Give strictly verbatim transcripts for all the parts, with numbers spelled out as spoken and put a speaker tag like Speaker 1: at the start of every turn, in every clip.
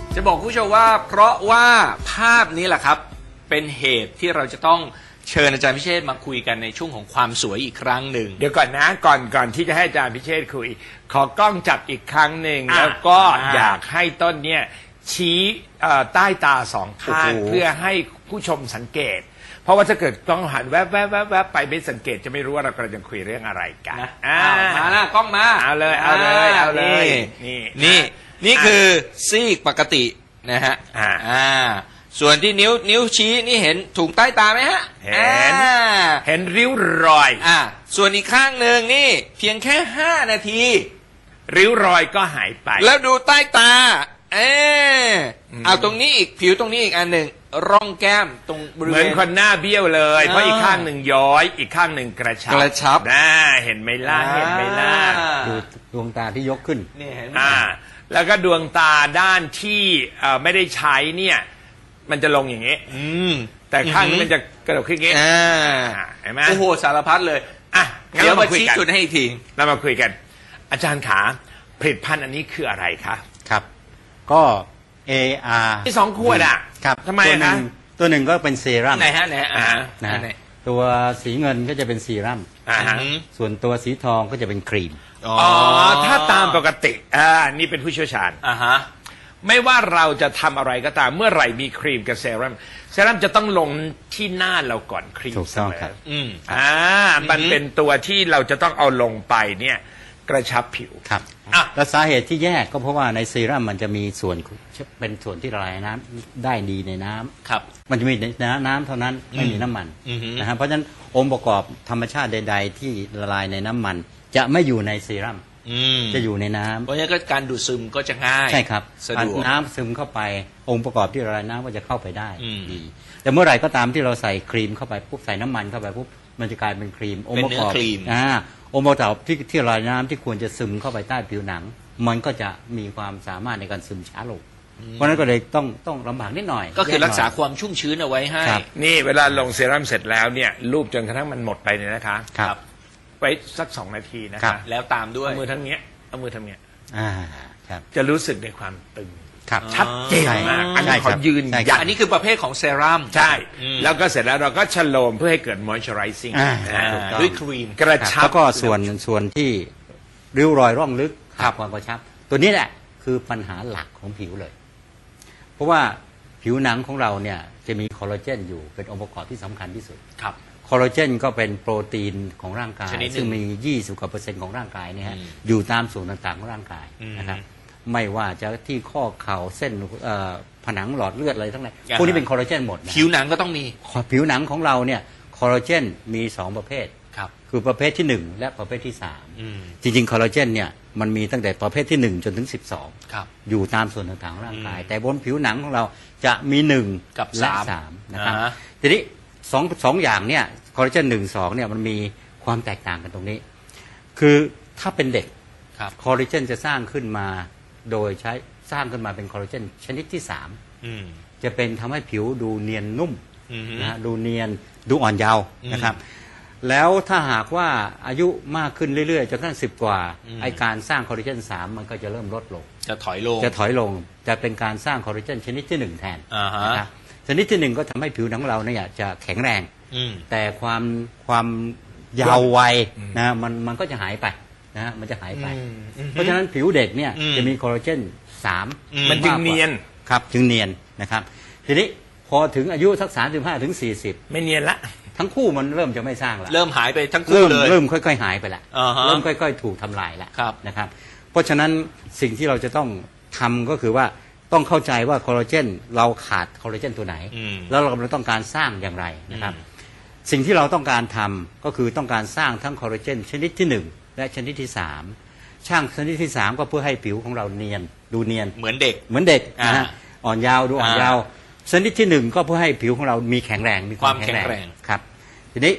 Speaker 1: จะบอกผู้ชมว่าเพราะว่าภาพนี้แหละครับเป็นเหตุที่เราจะต้องเชิญอาจารย์พิเชษฐ์มาคุยกันในช่วงของความสวยอีกครั้งหนึ่ง
Speaker 2: เดี๋ยวก่อนนะก่อนก่อนที่จะให้อาจารย์พิเชษฐ์คุยขอกล้องจับอีกครั้งหนึ่งแล้วก็อยากให้ต้นเนี่ยชี้ใต้ตาสองข้างเพื่อให้ผู้ชมสังเกตเพราะว่าถ้าเกิดกล้องหันแวบแวบแวบแวบไปไม่สังเกตจะไม่รู้ว่าเรากำลังจะคุยเรื่องอะไรกันนะ
Speaker 1: มาหน้ากล้องมา
Speaker 2: เอาเลยเอาเลยเอาเลย
Speaker 1: นี่นี่นี่คือซีกปกตินะฮะอ่าส่วนที่นิ้วนิ้วชี้นี่เห็นถุงใต้ตาไหมฮะ
Speaker 2: เห็นเห็นริ้วรอย
Speaker 1: อ่าส่วนอีกข้างหนึ่งนี่เพียงแค่ห้านาที
Speaker 2: ริ้วรอยก็หายไป
Speaker 1: แล้วดูใต้ตาเออเอาตรงนี้อีกผิวตรงนี้อีกอันหนึ่งร่องแก้มตรงบริเวณ
Speaker 2: เหมือนคนหน้าเบี้ยวเลยเพราะอีกข้างหนึ่งย้อยอีกข้างหนึ่งกระชับ
Speaker 1: กระชับ
Speaker 2: น่าเห็นไหมล่ะเห็นไหมล่ะ
Speaker 3: ดูดวงตาที่ยกขึ้น
Speaker 1: นี่เห็น
Speaker 2: อ่าแล้วก็ดวงตาด้านที่ไม่ได้ใช้เนี่ยมันจะลงอย่างนี้แต่ข้างนี้มันจะกระโดดขึ้นอย่างนี้เห็นไหม
Speaker 1: โอ้โหสารพัดเลยอ่ะ
Speaker 2: เดี๋ยวมาชี้
Speaker 1: จุดให้อีกที
Speaker 2: เรามาคุยกันอาจารย์ขาผลิตภัณฑ์อันนี้คืออะไรคะ
Speaker 3: ครับก็ เอ อาร์
Speaker 2: ที่สองขวดอ่ะ
Speaker 3: ครับ
Speaker 2: ทำไมนะ
Speaker 3: ตัวหนึ่งก็เป็นเซรั่ม
Speaker 1: ไหนฮะไหนอ่า
Speaker 3: นะตัวสีเงินก็จะเป็นเซรั่มส่วนตัวสีทองก็จะเป็นครีม
Speaker 2: อ๋อถ้าตามปกติอ่านี่เป็นผู้เชี่ยวชาญ
Speaker 1: อ่าฮะ
Speaker 2: ไม่ว่าเราจะทำอะไรก็ตามเมื่อไหร่มีครีมกับเซรั่มเซรั่มจะต้องลงที่หน้าเราก่อนครีม
Speaker 3: ถูกต้องครับ
Speaker 2: อืมอ่ามันเป็นตัวที่เราจะต้องเอาลงไปเนี่ยกระชับผิว
Speaker 3: ครับ
Speaker 2: อ่ะ
Speaker 3: แล้วสาเหตุที่แยกก็เพราะว่าในเซรั่มมันจะมีส่วนเป็นส่วนที่ละลายน้ำได้ดีในน้ำ
Speaker 1: ครับ
Speaker 3: มันจะมีน้ำเท่านั้นไม่มีน้ำมันนะครับเพราะฉะนั้นองค์ประกอบธรรมชาติใดๆที่ละลายในน้ำมันจะไม่อยู่ในเซรั่มจะอยู่ในน้ำ
Speaker 1: เพราะฉะนั้นก็การดูดซึมก็จะง่าย
Speaker 3: ใช่ครับ
Speaker 1: สะดวก
Speaker 3: น้ำซึมเข้าไปองค์ประกอบที่ละลายน้ำก็จะเข้าไปได้ดีแต่เมื่อไหร่ก็ตามที่เราใส่ครีมเข้าไปปุ๊บใส่น้ำมันเข้าไปปุ๊บมันจะกลายเป็นครีม
Speaker 1: องค์ประกอบ
Speaker 3: อ่าองค์ประกอบที่ที่ละลายน้ำที่ควรจะซึมเข้าไปใต้ผิวหนังมันก็จะมีความสามารถในการซึมช้าลงเพราะนั้นก็เลยต้องต้องลำบากนิดหน่อย
Speaker 1: ก็คือรักษาความชุ่มชื้นเอาไว้ให้
Speaker 2: นี่เวลาลงเซรั่มเสร็จแล้วเนี่ยรูปจนกระทั่งมันหมดไปเนี่ยนะคะ
Speaker 3: ครับ
Speaker 2: ไว้สักสองนาทีนะคะ
Speaker 1: แล้วตามด้วย
Speaker 2: เอามือทั้งเนี้ยเอามือทำเนี้ย
Speaker 3: อ่าครับ
Speaker 2: จะรู้สึกในความตึง
Speaker 3: ครับ
Speaker 2: ชัดเจนมากอันนี้ขอยืนยัน
Speaker 1: อันนี้คือประเภทของเซรั่ม
Speaker 2: ใช่แล้วก็เสร็จแล้วเราก็ชโลมเพื่อให้เกิด moisturizing
Speaker 1: ด้วยครีม
Speaker 2: กระชับ
Speaker 3: แล้วก็ส่วนส่วนที่ริ้วรอยร่องลึกความกระชับตัวนี้แหละคือปัญหาหลักของผิวเลยเพราะว่าผิวหนังของเราเนี่ยจะมีคอลลาเจนอยู่เป็นองค์ประกอบที่สำคัญที่สุด
Speaker 1: ครับ
Speaker 3: คอลลาเจนก็เป็นโปรตีนของร่างกายซึ่งมียี่สิบกว่าเปอร์เซ็นต์ของร่างกายเนี่ยฮะอยู่ตามส่วนต่างๆของร่างกายนะครับไม่ว่าจะที่ข้อเข่าเส้นผนังหลอดเลือดอะไรทั้งนั้นพวกนี้เป็นคอลลาเจนหมด
Speaker 1: ผิวหนังก็ต้องมี
Speaker 3: ผิวหนังของเราเนี่ยคอลลาเจนมีสองประเภทคือประเภทที่หนึ่งและประเภทที่สามจริงๆคอลลาเจนเนี่ยมันมีตั้งแต่ประเภทที่หนึ่งจนถึงสิบสองอยู่ตามส่วนต่างๆของร่างกายแต่บนผิวหนังของเราจะมีหนึ่งและสามนะครับทีนี้สองสองอย่างเนี่ยคอลลาเจนหนึ่งสองเนี่ยมันมีความแตกต่างกันตรงนี้คือถ้าเป็นเด็กคอลลาเจนจะสร้างขึ้นมาโดยใช้สร้างขึ้นมาเป็นคอลลาเจนชนิดที่สามจะเป็นทำให้ผิวดูเนียนนุ่มนะดูเนียนดูอ่อนเยาว์นะครับแล้วถ้าหากว่าอายุมากขึ้นเรื่อยๆจนกระทั่งสิบกว่าไอการสร้างคอลลาเจนสามมันก็จะเริ่มลดลง
Speaker 1: จะถอยลง
Speaker 3: จะถอยลงจะเป็นการสร้างคอลลาเจนชนิดที่หนึ่งแทนนะครับชนิดที่หนึ่งก็ทำให้ผิวหนังเราเนี่ยจะแข็งแรงแต่ความความยาววัยนะมันมันก็จะหายไปนะฮะมันจะหายไปเพราะฉะนั้นผิวเด็กเนี่ยจะมีคอลลาเจนสาม
Speaker 2: มันจึงเนียน
Speaker 3: ครับจึงเนียนนะครับทีนี้พอถึงอายุสักสามสิบห้าถึงสี่สิบ
Speaker 2: ไม่เนียนละ
Speaker 3: ทั้งคู่มันเริ่มจะไม่สร้างแล้ว
Speaker 1: เริ่มหายไปทั้งคู่เลย
Speaker 3: เริ่มค่อยๆหายไปละเริ่มค่อยๆถูกทำลายแล้วนะครับเพราะฉะนั้นสิ่งที่เราจะต้องทำก็คือว่าต้องเข้าใจว่าคอลลาเจนเราขาดคอลลาเจนตัวไหนแล้วเรากำลังต้องการสร้างอย่างไรนะครับสิ่งที่เราต้องการทำก็คือต้องการสร้างทั้งคอลลาเจนชนิดที่หนึ่งและชนิดที่สามช่างชนิดที่สามก็เพื่อให้ผิวของเราเนียนดูเนียน
Speaker 1: เหมือนเด็ก
Speaker 3: เหมือนเด็กนะฮะอ่อนยาวดูอ่อนยาวชนิดที่หนึ่งก็เพื่อให้ผิวของเรามีแข็งแรงมีความแข็งแรงครับทีนี้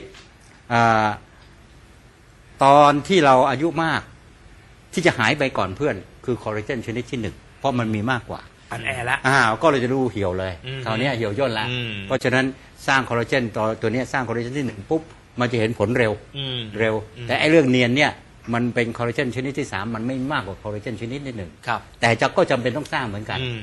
Speaker 3: ตอนที่เราอายุมากที่จะหายไปก่อนเพื่อนคือคอลลาเจนชนิดที่หนึ่งเพราะมันมีมากกว่า
Speaker 2: อันแอร์ละ
Speaker 3: อ้าวก็เลยจะดูเหี่ยวเลยคราวนี้เหี่ยวย่นละเพราะฉะนั้นสร้างคอลลาเจนตัวตัวนี้สร้างคอลลาเจนที่หนึ่งปุ๊บมันจะเห็นผลเร็วเร็วแต่ไอ้เรื่องเนียนเนี่ยมันเป็นคอลลาเจนชนิดที่สามมันไม่มากกว่าคอลลาเจนชนิดที่หนึ่งแต่จะก็จำเป็นต้องสร้างเหมือนกัน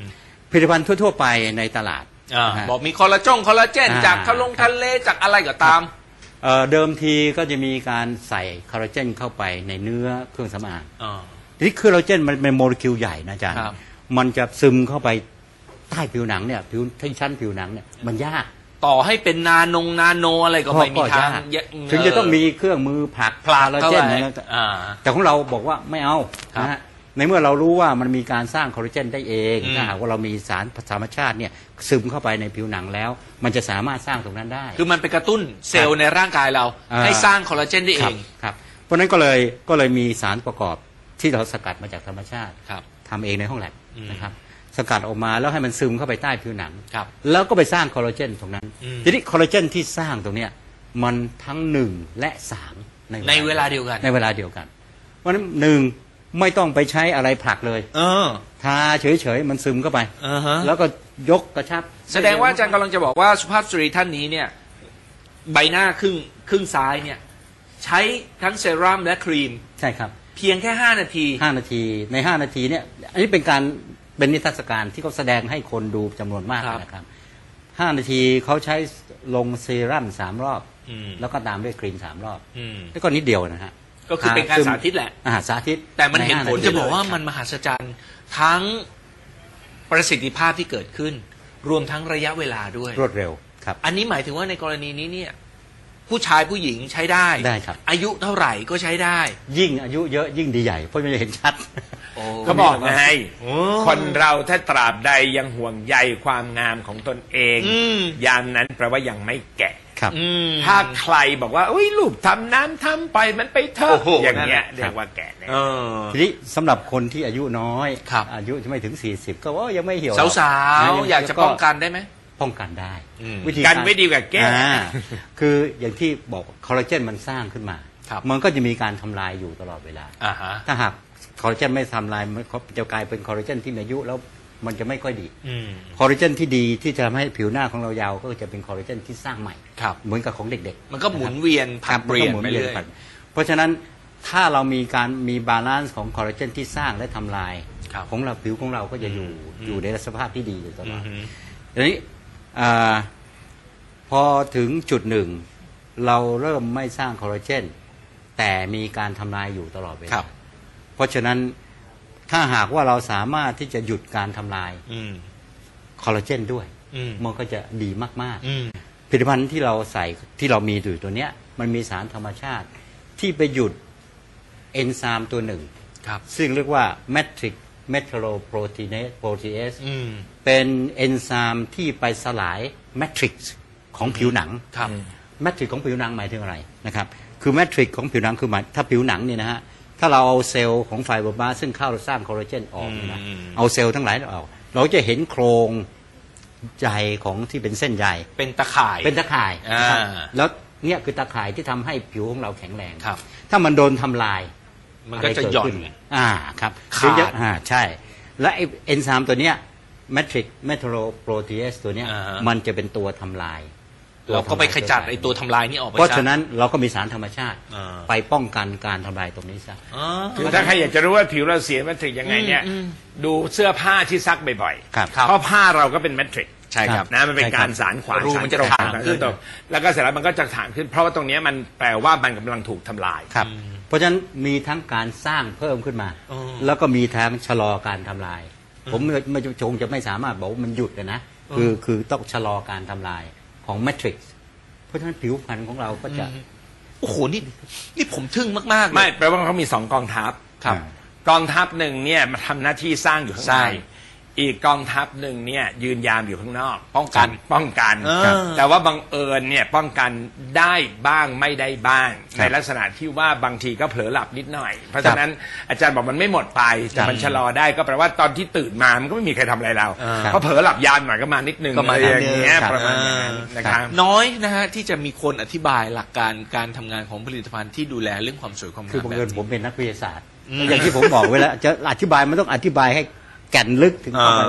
Speaker 3: ผลิตภัณฑ์ทั่วๆไปในตลาด
Speaker 1: อ่า
Speaker 3: นะฮะ
Speaker 1: บอกมีคอลลาจงคอลลาเจน
Speaker 3: อ่า
Speaker 1: จากทะลงทะเลจากอะไรก็ตาม
Speaker 3: เอ่อเดิมทีก็จะมีการใส่คอลลาเจนเข้าไปในเนื้อเครื่องสำอาง
Speaker 1: อ่า
Speaker 3: ทีนี้คอลลาเจนมันเป็นโมเลกุลใหญ่นะอาจารย์
Speaker 1: ครับ
Speaker 3: มันจะซึมเข้าไปใต้ผิวหนังเนี่ยผิวที่ชั้นผิวหนังเนี่ยมันยาก
Speaker 1: ต่อให้เป็นนานงนาโนอะไรก็ไม่มีทาง
Speaker 3: ยาก
Speaker 1: เยอะ
Speaker 3: ถึงจะต้องมีเครื่องมือผลัก
Speaker 1: ผลัก
Speaker 3: คอลลา
Speaker 1: เข้า
Speaker 3: เจน
Speaker 1: ไป
Speaker 3: นะ
Speaker 1: อ่า
Speaker 3: แต่ของเราบอกว่าไม่เอา
Speaker 1: ครับ
Speaker 3: นะฮะในเมื่อเรารู้ว่ามันมีการสร้างคอลลาเจนได้เอง
Speaker 1: อืม
Speaker 3: ถ้าหากว่าเรามีสารธรรมชาติเนี่ยซึมเข้าไปในผิวหนังแล้ว มันจะสามารถสร้างตรงนั้นได้
Speaker 1: คือมันไปกระตุ้นเซลล์ในร่างกายเรา
Speaker 3: อ่า
Speaker 1: ให้สร้างคอลลาเจนได้เอ
Speaker 3: ครับ
Speaker 1: ง
Speaker 3: ครับเพราะฉะนั้นก็เลยก็เลยมีสารประกอบที่เราสกัดมาจากธรรมชาติ
Speaker 1: ครับ
Speaker 3: ทำเองในห้องแลบ
Speaker 1: อืม
Speaker 3: นะครับสกัดออกมาแล้วให้มันซึมเข้าไปใต้ผิวหนัง
Speaker 1: ครับ
Speaker 3: แล้วก็ไปสร้างคอลลาเจนตรงนั้น
Speaker 1: อืม
Speaker 3: ทีนี้คอลลาเจนที่สร้างตรงเนี้ยมันทั้งหนึ่งและสาม
Speaker 1: ในเวลาเดียวกัน
Speaker 3: ในเวลาเดียวกัน เพราะฉะนั้นหนึ่งไม่ต้องไปใช้อะไรผลักเลย
Speaker 1: เออ
Speaker 3: ทาเฉยๆมันซึมเข้าไป
Speaker 1: อ่าฮะ
Speaker 3: แล้วก็ยกกระชับ
Speaker 1: แสดงว่าอาจารย์กำลังจะบอกว่าสุภาพสตรีท่านนี้เนี่ยใบหน้าครึ่งครึ่งซ้ายเนี่ยใช้ทั้งเซรั่มและครีม
Speaker 3: ใช่ครับ
Speaker 1: เพียงแค่ห้านาที
Speaker 3: ห้านาทีในห้านาทีเนี่ยอันนี้เป็นการเป็นนิทรรศการที่เขาแสดงให้คนดูจำนวนมาก
Speaker 1: ครับ
Speaker 3: นะครับห้านาทีเขาใช้ลงเซรั่มสามรอบ
Speaker 1: อืม
Speaker 3: แล้วก็ตามด้วยครีมสามรอบ
Speaker 1: อืม
Speaker 3: แล้วก็นิดเดียวนะฮะ
Speaker 1: ก็คือเป็นการสาธิตแหละ
Speaker 3: อาหารสาธิต
Speaker 1: แต่มันเห็นผล
Speaker 3: ใาาที
Speaker 1: จะบอกว่า
Speaker 3: เลย
Speaker 1: มันมหัศจรรย์ทั้งประสิทธิภาพที่เกิดขึ้น รวมทั้งระยะเวลาด้วย
Speaker 3: รวดเร็วครับ
Speaker 1: อันนี้หมายถึงว่าในกรณีนี้เนี่ยผู้ชายผู้หญิงใช้ได้
Speaker 3: ได้ครับ
Speaker 1: อายุเท่าไหร่ก็ใช้ได้
Speaker 3: ยิ่งอายุเยอะยิ่งดีใหญ่เพราะมันจะเห็นชัด
Speaker 2: เขาบอกไง
Speaker 1: โอ้
Speaker 2: คนเราถ้าตราบใดยังห่วงใยความงามของตนเอง
Speaker 1: อืม
Speaker 2: ยามนั้นแปลว่ายังไม่แก่
Speaker 3: ครับ
Speaker 1: อืม
Speaker 2: ถ้าใครบอกว่าอุ้ยรูปทำน้ำทำไปมันไปเถ
Speaker 1: โอ้
Speaker 2: อะ
Speaker 1: โห
Speaker 2: อย่างเงี้ย
Speaker 1: นั่นแหละ
Speaker 2: เรียกว่าแก่แน่
Speaker 1: เออ
Speaker 3: ทีนี้สำหรับคนที่อายุน้อย
Speaker 1: ครับ
Speaker 3: อายุไม่ถึงสี่สิบก็ว่ายังไม่เหี่ยว
Speaker 1: สาวๆอยากจะป้องกันได้ไหม
Speaker 3: ป้องกันได้
Speaker 1: อืม
Speaker 3: วิธี
Speaker 2: กันไม่ดีกว่าแก้
Speaker 3: อ่าคืออย่างที่บอกคอลลาเจนมันสร้างขึ้นมา
Speaker 1: ครับ
Speaker 3: มันก็จะมีการทำลายอยู่ตลอดเวลา
Speaker 1: อ่าฮะ
Speaker 3: ถ้าหากคอลลาเจนไม่ทำลายมันจะกลายเป็นคอลลาเจนที่มีอายุแล้วมันจะไม่ค่อยดี
Speaker 1: อืม
Speaker 3: คอลลาเจนที่ดีที่จะทำให้ผิวหน้าของเรายาวก็จะเป็นคอลลาเจนที่สร้างใหม่
Speaker 1: ครับ
Speaker 3: เหมือนกับของเด็กๆ
Speaker 1: มันก็หมุนเวียนผลัดเปลี่ยน
Speaker 3: มัก็หมุ
Speaker 1: ไปเรื่อย
Speaker 3: ผัดเพราะฉะนั้นถ้าเรามีการมีบาลานซ์ของคอลลาเจนที่สร้างและทำลาย
Speaker 1: ครับ
Speaker 3: ของเราผิวของเราก็จะอยู่
Speaker 1: อืม
Speaker 3: อยู่ในสภาพที่ดีอยู่ตลอด
Speaker 1: อืม
Speaker 3: ทีนี้อ่าพอถึงจุดหนึ่ง เราเริ่มไม่สร้างคอลลาเจนแต่มีการทำลายอยู่ตลอดเว
Speaker 1: ครั
Speaker 3: ลา
Speaker 1: บ
Speaker 3: เพราะฉะนั้นถ้าหากว่าเราสามารถที่จะหยุดการทำลาย
Speaker 1: อืม
Speaker 3: คอลลาเจนด้วย
Speaker 1: อืม
Speaker 3: มันก็จะดีมาก
Speaker 1: อืม
Speaker 3: ๆผลิตภัณฑ์ที่เราใส่ที่เรามีอยู่ตัวเนี้ยมันมีสารธรรมชาติที่ไปหยุดเอนไซม์ตัวหนึ่ง
Speaker 1: ครับ
Speaker 3: ซึ่งเรียกว่า matrix metalloproteinase protease
Speaker 1: อืม
Speaker 3: เป็นเอนไซม์ที่ไปสลายแมทริกซ์ของผิวหนัง
Speaker 1: ครับ
Speaker 3: แมทริกซ์ของผิวหนังหมายถึงอะไรนะครับคือแมทริกซ์ของผิวหนังคือหมายถ้าผิวหนังเนี่ยนะฮะถ้าเราเอาเซลล์ของไฟเบอร์บาซึ่งเข้าสร้างคอลลาเจนออกเนี่ยนะ
Speaker 1: อืม
Speaker 3: เอาเซลล์ทั้งหลายออกเราจะเห็นโครงใยของที่เป็นเส้นใย
Speaker 1: เป็นตะข่าย
Speaker 3: เป็นตะข่ายนะครับ
Speaker 1: อ่า
Speaker 3: แล้วเนี่ยคือตะข่ายที่ทำให้ผิวของเราแข็งแรง
Speaker 1: ครับ
Speaker 3: ถ้ามันโดนทำลาย
Speaker 1: มันก็จะหย่อน
Speaker 3: ไรเดขึ้อ่าครับ
Speaker 1: ขาด
Speaker 3: เดี๋ยวจะอ่าใช่ และไอเอนไซม์ตัวเนี้ยแมทริกเมทัลโลโปรตีเอสตัวเนี้ย
Speaker 1: อ่าฮะ
Speaker 3: มันจะเป็นตัวทำลาย
Speaker 1: เราก็ไปขจัดไอ้ตัวทำลายนี่ออกไป
Speaker 3: เพราะ
Speaker 1: ซ
Speaker 3: ฉะนั้นเราก็มีสารธรรมชาติ
Speaker 1: อ่า
Speaker 3: ไปป้องกันการทำลายตรงนี้ซะ
Speaker 1: อ๋อ
Speaker 2: คือถ้าใครอยากจะรู้ว่าผิวเราเสียแมทริกยังไงเนี่ย
Speaker 1: อืมอืม
Speaker 2: ดูเสื้อผ้าที่ซักบ่อย
Speaker 3: ครับ
Speaker 2: ๆเพราะผ้าเราก็เป็นแมทริก
Speaker 1: ใช่ครับ
Speaker 2: นะมันเป็น
Speaker 3: ใช่ครับ
Speaker 2: การสารขวาน
Speaker 1: รู
Speaker 2: สาร
Speaker 1: มันจะ
Speaker 2: ตรง
Speaker 1: ถ่างขึ้น
Speaker 2: สารตรงแล้วก็เสร็จแล้วมันก็จะถ่างขึ้น เพราะว่าตรงเนี้ยมันแปลว่ามันกำลังถูกทำลาย
Speaker 3: ครับ เพราะฉะนั้นมีทั้งการสร้างเพิ่มขึ้นมา
Speaker 1: อ๋อ
Speaker 3: แล้วก็มีทั้งชะลอการทำลาย ผมไม่ไม่จงจะไม่สามารถบอกว่ามันหยุดนะคือคือต้องชะลอการทำลายของแมทริกซ์เพราะฉะนั้นผิวพรรณของเราก็จะ
Speaker 1: โอ้โหนี่นี่ผมทึ่งมากๆเลย
Speaker 2: ไม่แปลว่าเขามีสองกองทัพ
Speaker 1: ครับ
Speaker 2: กองทัพหนึ่งเนี่ยมาทำหน้าที่สร้างอยู่ข้าง
Speaker 1: ใช่
Speaker 2: ในอีกกองทัพหนึ่งเนี่ยยืนยามอยู่ข้างนอก
Speaker 1: ป้องกัน
Speaker 2: ป้องกัน
Speaker 1: เออ
Speaker 2: ครับแต่ว่าบังเอิญเนี่ยป้องกันได้บ้างไม่ได้บ้าง
Speaker 3: ครับ
Speaker 2: ในลักษณะที่ว่าบางทีก็เผลอหลับนิดหน่อย เพราะฉะนั้นอาจารย์บอกมันไม่หมดไปแต่มันชะลอได้ก็แปลว่าตอนที่ตื่นมามันก็ไม่มีใครทำอะไรเรา
Speaker 1: อ่า
Speaker 2: เพราะเผลอหลับยานหน่อยก็มานิดนึง
Speaker 1: ก็มา
Speaker 2: อะไรอย่าง
Speaker 1: นิดนึง
Speaker 2: เงี้ย
Speaker 3: ครับ
Speaker 2: ประมาณอย่างนั้นนะครับ
Speaker 1: น้อยนะฮะที่จะมีคนอธิบายหลักการการทำงานของผลิตภัณฑ์ที่ดูแลเรื่องความสวยความงาม
Speaker 3: คือบังเอิญ
Speaker 1: แบบ
Speaker 3: ผมเป็นนักวิทยาศาสตร์
Speaker 1: อืม
Speaker 3: อย่างที่ผมบอกไว้แล้วจะอธิบายมันต้องอธิบายให้แก่นลึกถึงเข้าไป
Speaker 1: อ่า
Speaker 3: ว่า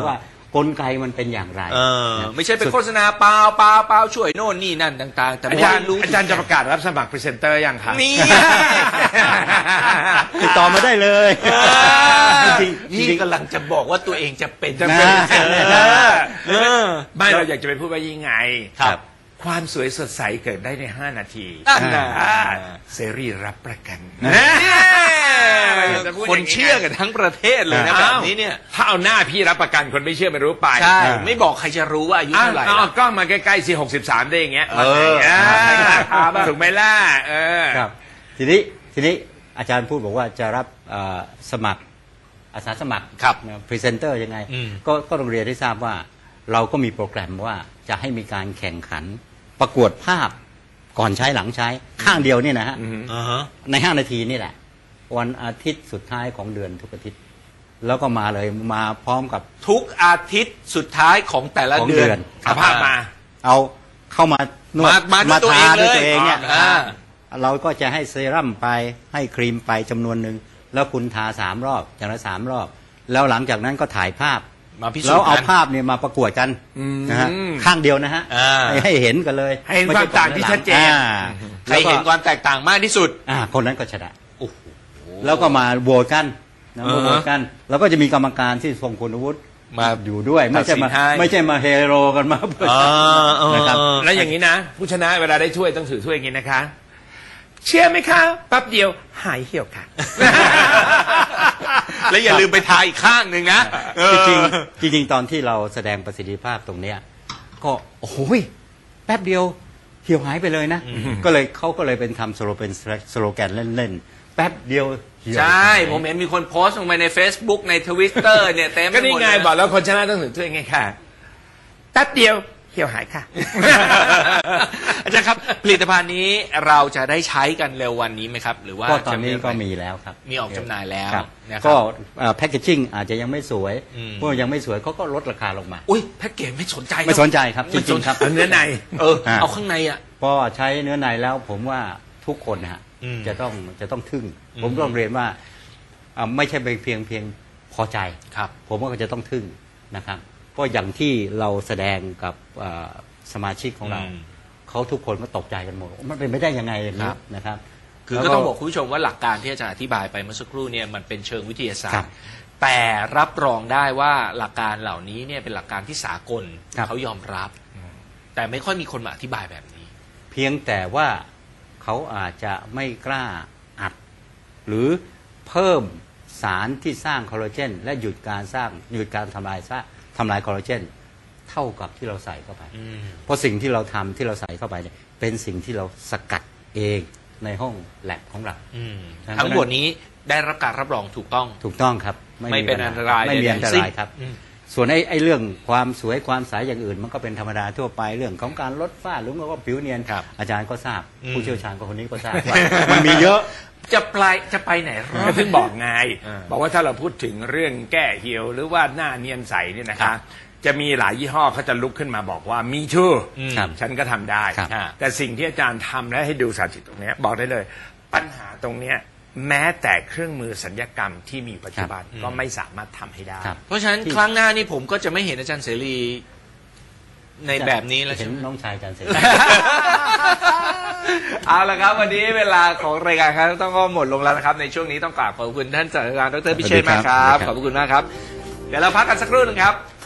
Speaker 3: กลไกมันเป็นอย่างไร
Speaker 1: เออไม่ใช่เป็นโฆษณาเปล่าเปล่าเปล่าช่วยโน่นนี่นั่นต่างๆแต่
Speaker 2: อา
Speaker 1: ไม่
Speaker 2: จารย์
Speaker 1: รู้
Speaker 2: อาจารย์จะประกาศรับสมัครพรีเซนเตอร์ยังคะ
Speaker 1: นี่
Speaker 3: ติดต่อมาได้เลย จริง
Speaker 1: นี่
Speaker 3: จริง
Speaker 1: กำลังจะบอกว่าตัวเองจะเป็น
Speaker 2: จะเป็น
Speaker 3: นะ
Speaker 2: เออ
Speaker 1: เออ
Speaker 2: ไม่เราอยากจะไปพูดว่ายังไง
Speaker 1: ครับ
Speaker 2: ความสวยสดใสเกิดได้ในห้านาที
Speaker 1: นั่นน่ะ
Speaker 2: อ่าเสรีรับประกัน
Speaker 1: คนเชื่อกันทั้งประเทศเลยนะแบบนี้เนี่ย
Speaker 2: ถ้าเอาหน้าพี่รับประกันคนไม่เชื่อไม่รู้ไป
Speaker 1: ใช่ไม่บอกใครจะรู้ว่าอายุ
Speaker 2: อ้าว
Speaker 1: เท่าไหร่
Speaker 2: เอา
Speaker 1: ล่ะ
Speaker 2: กล้องมาใกล้ๆสิหกสิบสามได้อย่างเงี้ย
Speaker 1: เออ
Speaker 2: อ่า
Speaker 1: พาบ้าง
Speaker 2: ถูกไหมล่ะเออ
Speaker 3: ครับทีนี้ทีนี้อาจารย์พูดบอกว่าจะรับเอ่อสมัครอาสาสมัคร
Speaker 1: ครับ
Speaker 3: พรีเซนเตอร์ยังไง
Speaker 1: อืม
Speaker 3: ก็ก็โรงเรียนได้ทราบว่าเราก็มีโปรแกรมว่าจะให้มีการแข่งขันประกวดภาพก่อนใช้หลังใช้ข้างเดียวเนี่ยนะฮะ
Speaker 1: อ่าฮะ
Speaker 3: ในห้านาทีนี่แหละ วันอาทิตย์สุดท้ายของเดือนทุกอาทิตย์ แล้วก็มาเลยมาพร้อมกับ
Speaker 1: ทุกอาทิตย์สุดท้ายของแต่ละ
Speaker 3: ของ
Speaker 1: เดือน
Speaker 3: เดือน
Speaker 2: เอาภาพมา
Speaker 3: เอาเข้ามานวด
Speaker 1: มามาด้วยตัวเอง
Speaker 3: ทาด้วย
Speaker 1: เลย
Speaker 3: ตัวเองเนี่ย
Speaker 1: อ่า
Speaker 3: เราก็จะให้เซรั่มไปให้ครีมไปจำนวนหนึ่งแล้วคุณทาสามรอบอย่างละสามรอบ แล้วหลังจากนั้นก็ถ่ายภาพ
Speaker 1: มาพิสูจน์
Speaker 3: แล้วเอา
Speaker 1: กัน
Speaker 3: ภาพเนี่ยมาประกวดกัน
Speaker 2: อืม
Speaker 3: นะฮะข้างเดียวนะฮะ
Speaker 1: อ่า
Speaker 3: ให้ให้เห็นกันเลย
Speaker 2: ให้เห็นความต่างที่ชัดเจน
Speaker 3: อ่า
Speaker 1: ใครเห็นความแตกต่างมากที่สุด
Speaker 3: อ่าคนนั้นก็ชนะ
Speaker 1: โอ้โห
Speaker 3: แล้วก็มาโหวตกันนะ
Speaker 1: อ่าฮะ
Speaker 3: มาโหวตกัน แล้วก็จะมีกรรมการที่ทรงคุณวุฒิ
Speaker 1: มา
Speaker 3: อยู่ด้วย ไม่ใช่มา
Speaker 1: ตัดสินให้
Speaker 3: ไม่ใช่มาเฮโรกันมาเพื่อ
Speaker 1: อ่าเออ
Speaker 3: นะครับ
Speaker 2: แล้วอย่างนี้นะ ผู้ชนะเวลาได้ถ้วยต้องถือถ้วยอย่างนี้นะคะ เชื่อไหมคะแป๊บเดียวหายเหี่ยวค่ะ
Speaker 1: แล้วอย่าลืมไปทาอีกข้างหนึ่งนะเออ
Speaker 3: จริงๆจริงๆตอนที่เราแสดงประสิทธิภาพตรงเนี้ยก็โอ้โหยแป๊บเดียวเหี่ยวหายไปเลยนะ ก็เลยเขาก็เลยเป็นทำสโลเป็นสโลแกนเล่นๆ แป๊บเดียวเหี่ยว
Speaker 1: ใช่
Speaker 3: หาย
Speaker 1: ผมเห็นมีคนโพสต์ลงไปใน Facebook ใน Twitter เนี่ยเต็มไป
Speaker 2: ก็
Speaker 1: หม
Speaker 2: นี่
Speaker 1: ด
Speaker 2: ไง
Speaker 1: เลย
Speaker 2: บอกแล้วคนชนะต้องถือถ้วยไงค่ะแป๊บเดียวเหี่ยวหายค่ะ
Speaker 1: อาจารย์ครับผลิตภัณฑ์นี้เราจะได้ใช้กันเร็ววันนี้ไหมครับ หรือว่า
Speaker 3: ก็ตอนนี้
Speaker 1: จะ
Speaker 3: ก็มีแล้วครับ
Speaker 1: มีออกจำหน่ายแล้ว
Speaker 3: ครับ
Speaker 1: นะครับ
Speaker 3: ก็แพคเกจิ้งอาจจะยังไม่สวย
Speaker 1: อืม
Speaker 3: เมื่อยังไม่สวยเขาก็ลดราคาลงมา
Speaker 1: อุ้ยแพ็กเกจไม่สนใจ
Speaker 3: ไม่สนใจครับจ
Speaker 1: ไม่ส
Speaker 3: ริ
Speaker 1: น
Speaker 3: งๆครับ
Speaker 2: เอาเนื้อใน
Speaker 1: เออ
Speaker 3: อ่า
Speaker 1: เอาข้างในอ่ะ
Speaker 3: พอใช้เนื้อในแล้วผมว่าทุกคนนะฮะ
Speaker 1: อืม
Speaker 3: จะต้องจะต้องทึ่ง
Speaker 1: อืม
Speaker 3: ผมต้องเรียนว่าอ่าไม่ใช่เพียงเพียงพอใจ
Speaker 1: ครับ
Speaker 3: ผมว่าก็จะต้องทึ่งนะครับเพราะอย่างที่เราแสดงกับเอ่อสมาชิกของเรา
Speaker 1: อืม
Speaker 3: เขาทุกคนก็ตกใจกันหมดมันเป็นไม่ได้ยังไงอย่าง
Speaker 1: ค
Speaker 3: นี้
Speaker 1: รับ
Speaker 3: นะครับ
Speaker 1: คือ
Speaker 3: แล้ว
Speaker 1: ก็ต้องบอกคุณผู้ชมว่าหลักการที่อาจารย์อธิบายไปเมื่อสักครู่เนี่ยมันเป็นเชิงวิทยาศาส
Speaker 3: ครั
Speaker 1: ตร์
Speaker 3: บ
Speaker 1: แต่รับรองได้ว่าหลักการเหล่านี้เนี่ยเป็นหลักการที่สากล
Speaker 3: ครับ
Speaker 1: เขายอมรับ แต่ไม่ค่อยมีคนมาอธิบายแบบนี้
Speaker 3: เพียงแต่ว่าเขาอาจจะไม่กล้าอัด หรือเพิ่มสารที่สร้างคอลลาเจนและหยุดการสร้างหยุดการทำลายซะทำลายคอลลาเจนเท่ากับที่เราใส่เข้าไป
Speaker 1: อืม
Speaker 3: เพราะสิ่งที่เราทำที่เราใส่เข้าไปเนี่ยเป็นสิ่งที่เราสกัดเองในห้องแลบของเรา
Speaker 1: อืม
Speaker 3: ฉะนั้น
Speaker 1: ทั้งหมดนี้ได้รับการรับรองถูกต้อง
Speaker 3: ถูกต้องครับ
Speaker 1: ไม่เป็น
Speaker 3: ปัญห
Speaker 1: อันตราย
Speaker 3: ไม่มี
Speaker 1: ใดๆ
Speaker 3: อันต
Speaker 1: สิ้น
Speaker 3: รายครับ
Speaker 1: อืม
Speaker 3: ส่วนไอ้ไอ้เรื่องความสวยความใสอย่างอื่น มันก็เป็นธรรมดาทั่วไปเรื่องของการลดฝ้าหรือว่าผิวเนียน
Speaker 1: ครับ
Speaker 3: อาจารย์ก็ทราบ
Speaker 1: อืม
Speaker 3: ผู้เชี่ยวชาญก็คนนี้ก็ทราบว่ามันมีเยอะ
Speaker 1: จะไปจะไปไหนรอ
Speaker 2: ก็
Speaker 1: ด
Speaker 2: ถึงบอกไง
Speaker 1: อ่า
Speaker 2: บอกว่าถ้าเราพูดถึงเรื่องแก้เหี่ยวหรือว่าหน้าเนียนใสเนี่ยนะ
Speaker 1: ครั
Speaker 2: คะ
Speaker 1: บ
Speaker 2: จะมีหลายยี่ห้อเขาจะลุกขึ้นมาบอกว่ามีชู
Speaker 1: อืม
Speaker 3: ครับ
Speaker 2: ฉันก็ทำได้
Speaker 3: ครับ
Speaker 2: แต่สิ่งที่อาจารย์ทำและให้ดูสาธิตตรงเนี้ยบอกได้เลย ปัญหาตรงเนี้ยแม้แต่เครื่องมือสัญญกรรมที่มีปัจจุบันก็ไม่สามารถทำให้ได้
Speaker 3: ครับ
Speaker 1: เพราะฉะนั้นครั้งหน้านี่ผมก็จะไม่เห็นอาจารย์เสรีในแบบนี้แล้ว
Speaker 3: เห็
Speaker 1: ใช่
Speaker 3: น
Speaker 1: ไหม
Speaker 3: น้องชายอาจารย์เสรี
Speaker 1: เอาละครับ วันนี้เวลาของรายการครับต้องก็หมดลงแล้วนะครับ ในช่วงนี้ต้องกราบขอบคุณท่านศาสตราจารย์ดรพิเชษฐ์มากครับ
Speaker 3: สวัสดีครับ
Speaker 1: ขอบคุณมากครับ เดี๋ยวเราพักกันสักครู่หนึงครับ